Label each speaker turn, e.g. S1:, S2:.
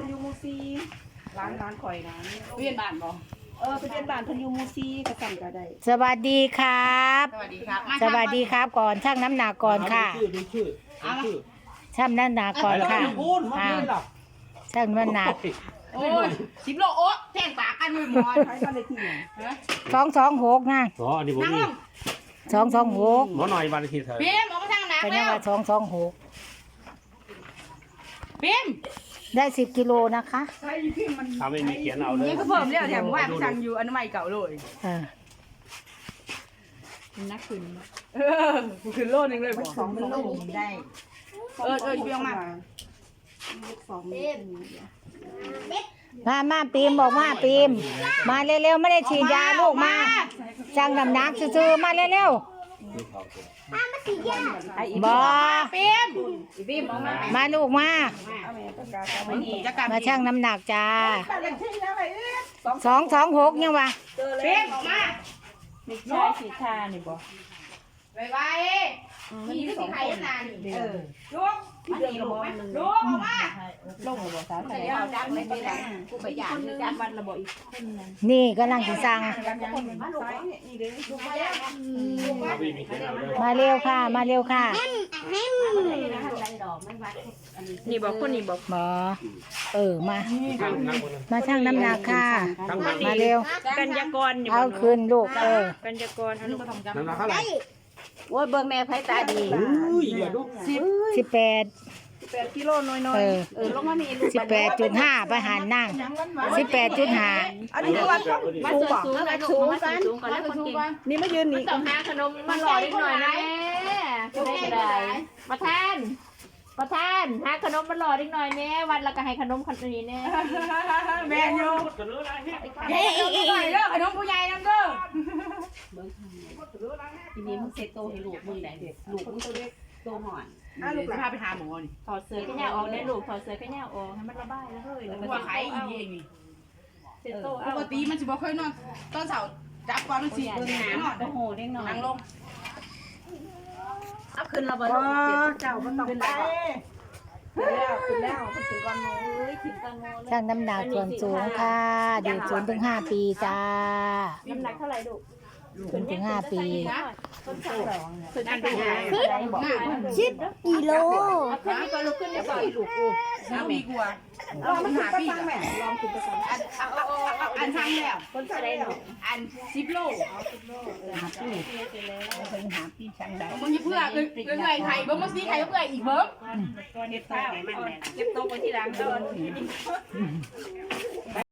S1: ยูมูซีร้านข่อยร้าน
S2: เวียนบ้านบ่
S1: ไปเรียนบ้านพันยูมูซีกระสั่งก็ได้
S3: สวัสดีครับ
S2: สวัสดีครับ
S3: สวัสดีครับก่อนช่างน้ำหนักก่อนค่ะ
S4: ชื่อ
S3: ช่างน้ำหนักก่อนค่ะช่างน้ำหนัก
S2: โอ้ย10 โลโอ๊ะแท่งปากกันมือหมอน
S1: ใช้บ้านเลขที่ไหน
S3: 226นะ
S4: อ๋ออันนี้ผม
S2: นั่งล
S4: นี่
S2: ง
S3: 226
S4: หมอหน่อยบ้านเลขที่เธอ
S2: พิมพ์ออกมาทางหนัก
S3: เป็น
S2: แล้
S3: ยัง
S2: ว
S3: ว่า226
S2: พิมพ์
S3: ได้10กิโลนะคะ
S1: ใช้ที่มัน
S4: ถ้าไม่มีเขียนเอาเลย
S2: นี่ก็เพิ่มแล้วแถมว่าไปสั่งอยู่อนามัยเก่าเลย
S3: อ่า
S2: นักขึ้นขึ้นโลนึงเลยบ่
S1: สองเป็นโลได้
S2: เพียงมา
S1: สอง
S3: มาปีมบอกว่าปีมมาเร็วๆไม่ได้ฉีดยาลูกมาช่างน้ำหนักซื่อๆมาเร็วๆบอ
S2: พิมพ์พิมพ์ออกมา
S3: มาลูกมา
S2: จะกลับ
S3: มาช่างน้ำหนักจ้า
S1: บ้านเลขที่อะไร
S3: 226ยังวะ
S2: พิมพ์ออกมา
S1: ไม่ใช่สีทานี่บ่
S2: ไวๆนี่คือใครนานลูก
S1: เรื่องระบบนึง
S2: ลูกออกมา
S1: ลงระบบสาธารณะ
S2: ดังไม่ได้กูไปหยาดนี่จักวันระบบอีก
S3: นี่กำลังสิสั่ง
S1: นี่เด้อ
S4: ถ้าไม่มีเขียนเอาเลย
S3: มาเร็วค่ะ มาเร็วค่ะ
S2: นี่บอกคนนี้บอก
S3: หมอมา
S4: ทั้งคน
S3: มาช่างน้ำหนักค่ะ
S4: ทั้งมัน
S3: มาเร็ว
S2: กัญญากรอยู่
S3: เอาคืนลูก
S2: กัญญากรอนุกรรม
S4: น้ำหนักเท่าไหร่
S2: โอ้ยเบิ่งแม่ไผตาดี
S4: อุ้ยอย่าดู
S3: 18
S1: 8กิโลน้อย
S2: ลงมานี่ลูก
S3: 18.5ไปหารนั่ง18.5
S1: อันนี้คือวัน
S2: มาสูงสูงกันสูงกันสูงกันแล้วคนเก่ง
S1: นี่มายืนนี่
S2: ต้องหาขนมมาหล่อนิดหน่อยนะแม่ได้ได้ประธานหาขนมมาหล่อนิดหน่อยแม่วันละก็ให้ขนมคนนี้แน่
S1: แม่อยู่
S2: เฮ้ยอีกเด้อขนมผู้ใหญ่นำเด้อ
S5: ทีนี้มึงเซตโตให้ลูกมึงได้ลูกมึงตัวเล็กโตหอน
S2: ลูกพาไปหาหมอนี่ถอดเสื้อแค่แนวออกได้ลูกถอดเสื้อแค่แนวออกให้มันระบายแล้วเฮ้ยแล้วก็ว่าไข่อีเองนี่เสร็จโตปกติมันสิบ่เคยนอนตอนเช้าจับก่อนมันสิเบิ่งหานอน
S5: โอ้โหเล็กน้อย
S2: นั่งลง
S5: เอาขึ้นระเบิด
S1: เจ้าก็ต้องไปขึ้นแล้วขึ้นก่อนโน้
S3: ช่างน้ำหนักส่วนสูงค่ะเด็ก0 ถึง 5 ปีจ้า
S2: น้ำหนักเท่าไหร่ลูก
S3: 0 ถึง 5 ปี
S2: ขึ้นอันดู10
S3: กิโล
S2: ขึ้นนี่ก็ลุกขึ้นได้ก่อนลูกกูน้ำมีกลัว
S1: ลองหาพี่แม่ลองขึ้นไปสั่ง
S2: อันทางแล้ว
S1: คนใส่ได้หรอ
S2: อัน10 โล
S1: หาพี่ช่างได้
S2: มึงอย่าเพื่อเอื่อยไข่เบิ่งมาสิไข่เอื่อยอีกเบิ่ง
S1: เก็บข้าว
S2: เก็บโต๊ะไว้ที่หลังเด้อ